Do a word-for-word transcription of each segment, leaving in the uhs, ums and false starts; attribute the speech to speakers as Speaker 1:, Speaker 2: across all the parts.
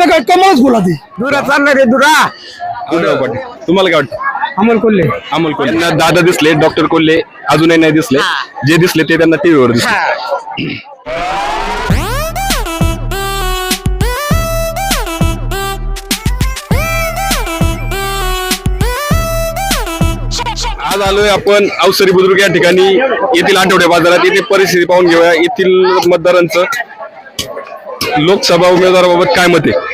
Speaker 1: आपलं काय कमळच बोला ती
Speaker 2: दुरा चालणार आहे दुरा.
Speaker 3: आढळराव पाटील तुम्हाला काय वाटतं?
Speaker 1: अमोल कोल्हे.
Speaker 3: अमोल कोल्हे यांना दादा दिसले, डॉक्टर कोल्हे अजूनही नाही दिसले, जे दिसले ते त्यांना टीव्हीवर दिसले. आज आलोय आपण अवसरी बुद्रुक या ठिकाणी, येथील आठवडे बाजारात. येथे परिस्थिती पाहून घेऊया. येथील मतदारांचं लोकसभा उमेदवाराबाबत काय मत आहे?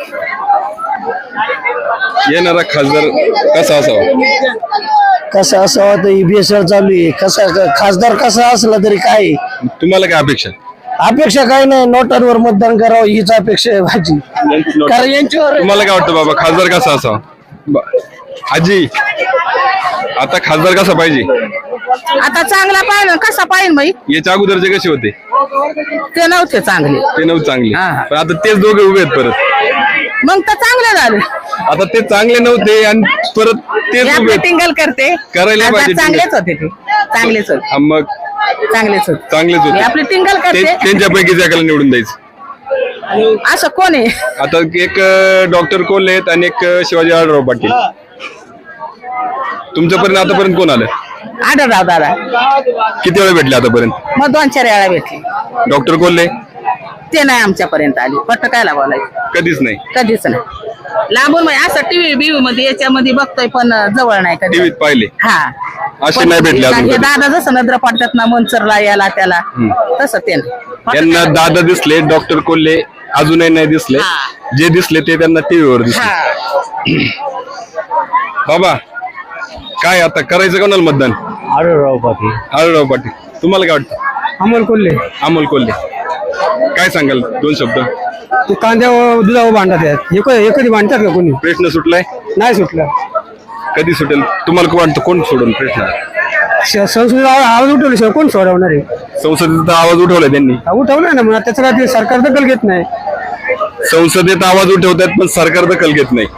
Speaker 3: येणारा खासदार कसा असावा?
Speaker 4: कसा असावा तर ईबीएसआर चालू आहे. कसा खासदार कसा असला तरी काय
Speaker 3: तुम्हाला काय अपेक्षा?
Speaker 4: अपेक्षा काय नाही, नोटांवर मतदान करावं हीच अपेक्षा आहे माझी. कारण यांच्यावर
Speaker 3: तुम्हाला काय वाटतं बाबा, खासदार कसा असावा? ब- आजी, आता खासदार कसा पाहिजे?
Speaker 5: आता चांगला पाहिजे कसा पाहिजे बाई,
Speaker 3: याच्या अगोदरचे कसे होते?
Speaker 5: ते नव्हते चांगले,
Speaker 3: ते नव्हते चांगले,
Speaker 5: हा.
Speaker 3: पण आता तेच दोघे उभे आहेत परत.
Speaker 5: मग तर चांगले झाले.
Speaker 3: आता ते चांगले नव्हते आणि परत तेच उभे
Speaker 5: आपले
Speaker 3: आहेत.
Speaker 5: टिंगल करते,
Speaker 3: करायला
Speaker 5: आता
Speaker 3: पाहिजे
Speaker 5: चांगलेच होते ते, चांगलेच होते,
Speaker 3: हा, मग
Speaker 5: चांगलेच होते.
Speaker 3: चांगलेच
Speaker 5: हे
Speaker 3: होते.
Speaker 5: आपली टिंगल
Speaker 3: ते-
Speaker 5: करते.
Speaker 3: त्यांच्यापैकीच एकाला निवडून द्यायचं.
Speaker 5: असं कोण आहे?
Speaker 3: आता एक डॉक्टर कोल्हे आहेत आणि एक शिवाजी आढळराव पाटील. तुमच्यापर्यंत आतापर्यंत कोण आलं?
Speaker 5: आढळराव दादा.
Speaker 3: किती वेळा भेटले आतापर्यंत?
Speaker 5: मग दोन चार वेळा भेटले.
Speaker 3: डॉक्टर कोल्हे
Speaker 5: ते नाही आमच्यापर्यंत आली. पट्ट कायला बोलायचं,
Speaker 3: कधीच नाही.
Speaker 5: कधीच नाही. लांबून म्हणजे असं टीव्ही बीव्ही मध्ये याच्यामध्ये बघतोय, पण जवळ नाही कधी.
Speaker 3: टीव्हीत पाहिले
Speaker 5: हा,
Speaker 3: असे
Speaker 5: पण
Speaker 3: नाही भेटले अजून
Speaker 5: हे
Speaker 3: कधी.
Speaker 5: दादा जसं नजर पडतात ना मंचरला याला त्याला, तसं ते नाही.
Speaker 3: यांना दादा दिसले, डॉक्टर कोल्हे अजूनही नाही दिसले,
Speaker 5: हा.
Speaker 3: जे दिसले ते त्यांना टीव्हीवर दिसले.
Speaker 5: हा.
Speaker 3: बाबा काय आता करायचं कोणाला मतदान?
Speaker 4: आढळराव पाटील.
Speaker 3: आढळराव पाटील. तुम्हाला काय वाटतं?
Speaker 1: अमोल कोल्हे.
Speaker 3: अमोल कोल्हे. काय सांगाल दोन शब्द?
Speaker 1: ते कांद्यावर दुधावर भांडत आहेत. हे क- हे कधी भांडतात का कोणी?
Speaker 3: प्रश्न सुटलाय?
Speaker 1: नाही सुटलं.
Speaker 3: कधी सुटेल? तुम्हाला काय वाटतं कोण सोडून प्रश्न?
Speaker 1: श- संसदेत आवाज आवाज उठवल्याशिवाय कोण सोडवणार आहे?
Speaker 3: संसदेत आवाज उठवलाय त्यांनी.
Speaker 1: हा, उठवलं ना, म्हणा त्याचं काय ते सरकार दखल घेत नाही.
Speaker 3: संसदेत आवाज उठवतात पण सरकार दखल घेत नाही.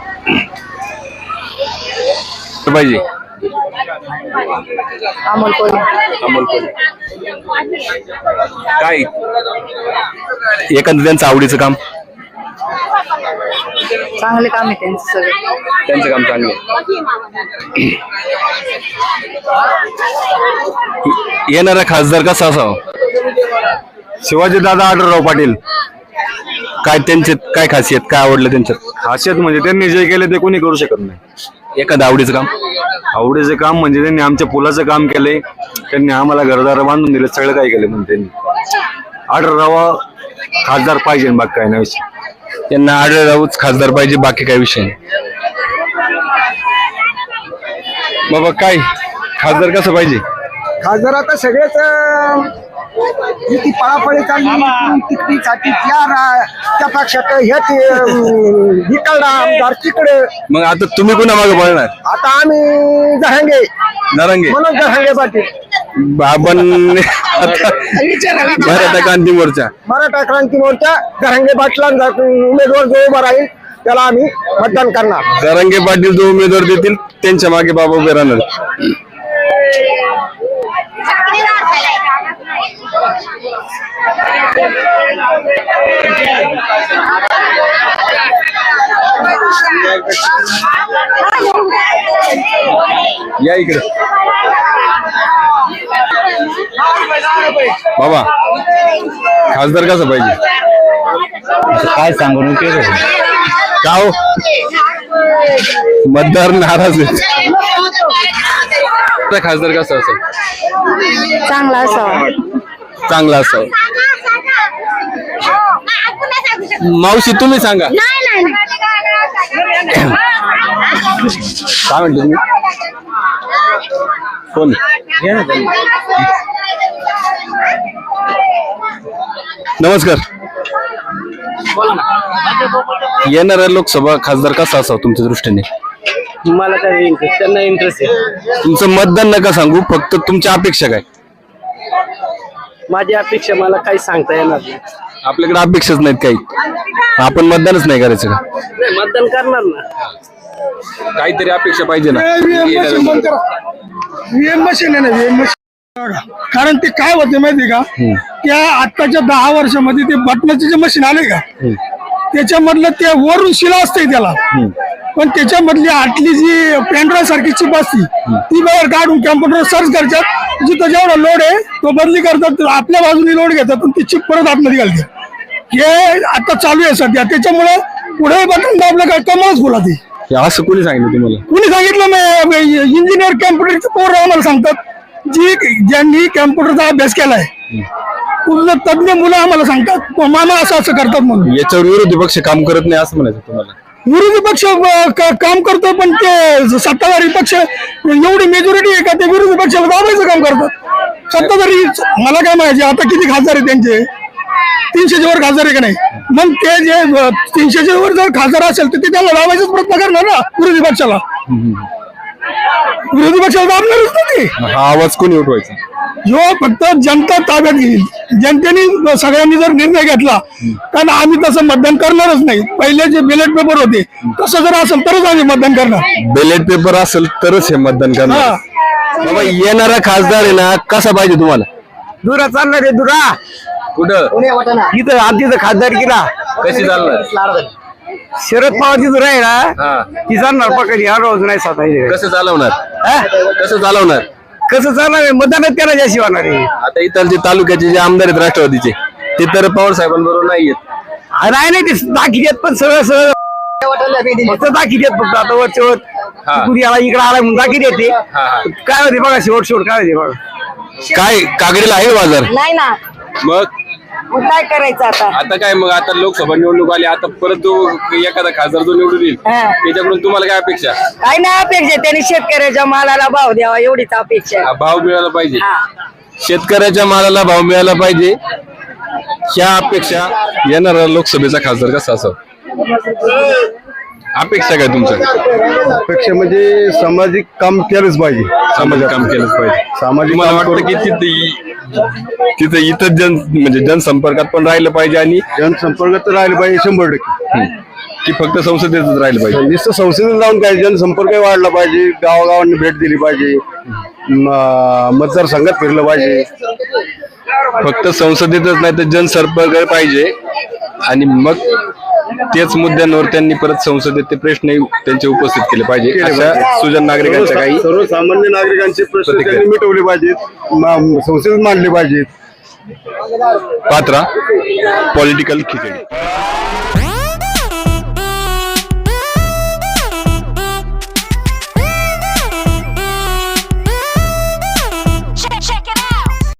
Speaker 3: पाहिजे
Speaker 5: अमोल कोल्हे.
Speaker 3: अमोल कोल्हे. काय एखादं त्यांचं आवडीचं काम?
Speaker 5: चांगले काम आहे त्यांचं सगळं.
Speaker 3: त्यांचं काम चांगलं आहे. येणारा खासदार कसा असावा? शिवाजी दादा आढळराव पाटील. काय त्यांचे काय खासियत, काय आवडलं त्यांच्यात?
Speaker 6: खासियत म्हणजे त्यांनी जे केले ते कोणी करू शकत नाही.
Speaker 3: एखादं आवडीचं काम?
Speaker 6: आवडीचं काम म्हणजे त्यांनी आमच्या पुलाचं काम केलंय, त्यांनी आम्हाला घरदार बांधून दिले, सगळं काही केलं. म्हणजे त्यांनी आढळराव खासदार पाहिजे, बाकी काय नाही विषय.
Speaker 3: त्यांना आढळरावच खासदार पाहिजे, बाकी काय विषय नाही. बाबा काय खासदार कसं पाहिजे?
Speaker 2: खासदार आता सगळेच अं, किती पळापळी चालली तिकडीसाठी त्या रा- त्या पक्षात हे ते, अं, इकडला आमदार तिकडे.
Speaker 3: मग आता तुम्ही कुणा मागे पळणार?
Speaker 2: आता आम्ही जहांगे
Speaker 3: नारंगे.
Speaker 2: म्हणून जहांगे पाटील.
Speaker 3: बाबन मराठा क्रांती मोर्चा.
Speaker 2: मराठा क्रांती मोर्चा जहांगे पाटलांचा उमेदवार जो उभा राहील त्याला आम्ही मतदान करणार.
Speaker 3: जरांगे पाटील जो उमेदवार देतील त्यांच्या मागे बाबा उभे राहणार. या इकडे बाबा, खासदार कसा पाहिजे?
Speaker 4: काय सांगू नये.
Speaker 3: का हो? मतदार नाराज आहेत. खासदार कसा असेल?
Speaker 5: चांगला असावा.
Speaker 3: चांगला असावा. मावशी तुम्ही सांगा काय म्हणतो तुम्ही? कोण? नमस्कार. येणारा लोकसभा खासदार कसा असावा तुमच्या दृष्टीने?
Speaker 4: मला काय इंटरेस्ट, त्यांना इंटरेस्ट आहे.
Speaker 3: तुमचं मतदान नका सांगू, फक्त तुमच्या अपेक्षा काय?
Speaker 4: माझी अपेक्षा मला काही सांगता येणार नाही.
Speaker 3: आपल्याकडे अपेक्षाच नाहीत काही, आपण मतदानच नाही करायचं का?
Speaker 4: नाही, मतदान करणार ना.
Speaker 3: काहीतरी अपेक्षा पाहिजे ना.
Speaker 1: व्हीएम मशीन आहे ना, व्हीएम मशीन. कारण ते काय होते माहिती का, त्या आताच्या दहा वर्षामध्ये ते बटनाचे जे मशीन आले का, त्याच्यामधलं ते वरून शिला असते त्याला, पण त्याच्यामधली आतली जी पेंड्राईव्ह सारखी चिप असती ती बाहेर काढून कॅम्प्युटर सर्च करतात, जिथं जेवढा लोड आहे तो बदली करतात, आपल्या बाजूने लोड घेतात पण ती चिप परत आतमध्ये घालते. हे आता चालू आहे सध्या, त्याच्यामुळे पुढे बटन दाबलं काय कमालच बोला ती.
Speaker 3: हे असं कोणी सांगितलं तुम्हाला?
Speaker 1: कुणी सांगितलं? इंजिनियर कॅम्प्युटरचे पोरं आम्हाला सांगतात, जी ज्यांनी कॅम्प्युटरचा अभ्यास केलाय पूर्ण तज्ञ मुलं आम्हाला सांगतात मामा असं असं करतात म्हणून.
Speaker 3: याच्यावर विरोधी पक्ष काम करत नाही असं म्हणायचं तुम्हाला?
Speaker 1: विरोधी पक्ष अं, क- काम करतो, पण ते सत्ताधारी पक्ष एवढी मेजॉरिटी आहे का ते विरोधी पक्षाला दाबायचं काम करतात. सत्ताधारी मला काय माहिती आता किती खासदार आहे त्यांचे, तीनशेच्या वर खासदार आहे का नाही, मग ते जे अं, तीनशेच्या वर जर खासदार असेल तर ते त्याला दाबायचाच प्रयत्न करणार ना विरोधी पक्षाला. विरोधी पक्षाला दाबणारच ना ते.
Speaker 3: हा आवाज कोणी उठवायचा?
Speaker 1: जो फक्त जनता ताब्यात घेईल, जनतेने सगळ्यांनी जर निर्णय घेतला, कारण आम्ही तसं मतदान करणारच नाही. पहिले जे बॅलेट पेपर होते तसं जर असेल तरच आम्ही मतदान करणार.
Speaker 3: बॅलेट पेपर असेल तरच हे मतदान करणार.
Speaker 1: हा.
Speaker 3: बाबा येणारा खासदार आहे ना कसा पाहिजे तुम्हाला?
Speaker 2: दुरा चालणार आहे दुरा
Speaker 3: कुठं
Speaker 2: इथं आमच्या खासदार किला
Speaker 3: कशी चालणार?
Speaker 2: शरद पवारची दुरा आहे ना
Speaker 3: हा.
Speaker 2: ती चालणार पकडली हा रोज नाही स्वतः.
Speaker 3: कसं चालवणार? कसं चालवणार?
Speaker 2: कसं चालणार आहे? मतदानच त्याला जास्त होणार आहे.
Speaker 3: आता इथलचे तालुक्याचे जे आमदार आहेत राष्ट्रवादीचे ते तर पवार साहेबांबरोबर नाही येत.
Speaker 2: नाही नाही ते दाखी देत पण सगळं सगळं फक्त दाखी देत फक्त आता वरच्या वर कुणी आला इकडे आला म्हणून दाखी देते. काय होते बघा शेवट शेवट काय होते बघा.
Speaker 3: काय कागडीला आहे बाजार?
Speaker 7: नाही ना,
Speaker 3: मग
Speaker 7: मग काय करायचं आता?
Speaker 3: आता काय मग आता लोकसभा निवडणूक आली, आता परत जो एखादा खासदार जो निवडून येईल
Speaker 7: हा.
Speaker 3: त्याच्याकडून तुम्हाला काय अपेक्षा?
Speaker 7: काय नाही अपेक्षा, त्यांनी शेतकऱ्याच्या मालाला भाव द्यावा एवढीच अपेक्षा आहे.
Speaker 3: हा, भाव मिळाला पाहिजे,
Speaker 7: हा.
Speaker 3: शेतकऱ्याच्या मालाला भाव मिळाला पाहिजे, ह्या अपेक्षा येणारा लोकसभेचा खासदार कसा असावा? अपेक्षा काय तुमच्या?
Speaker 8: अपेक्षा म्हणजे सामाजिक काम केलंच पाहिजे.
Speaker 3: सामाजिक काम केलंच पाहिजे.
Speaker 8: सामाजिक
Speaker 3: मला
Speaker 8: काम
Speaker 3: वाटतं की तिथे तिथे इथं जन म्हणजे जनसंपर्कात पण राहिलं पाहिजे आणि
Speaker 8: जनसंपर्क तर राहिलं पाहिजे शंभर टक्के.
Speaker 3: की फक्त संसदेतच राहिलं पाहिजे.
Speaker 8: नुसतं संसदेत जाऊन काय जनसंपर्क वाढला पाहिजे, गावागावांनी भेट दिली पाहिजे, म- मतदारसंघात फिरलं पाहिजे.
Speaker 3: फक्त संसदेतच नाही तर जनसंपर्क पाहिजे आणि मग तेच मुद्द्यांवर त्यांनी परत संसदेत ते प्रश्न त्यांचे उपस्थित केले पाहिजे. अशा सुजन नागरिकांच्या काही
Speaker 8: सर्वसामान्य नागरिकांचे प्रश्न त्यांनी मिटवले पाहिजेत, म- संसदेत मांडले पाहिजेत.
Speaker 3: पात्रा पॉलिटिकल खिचडी.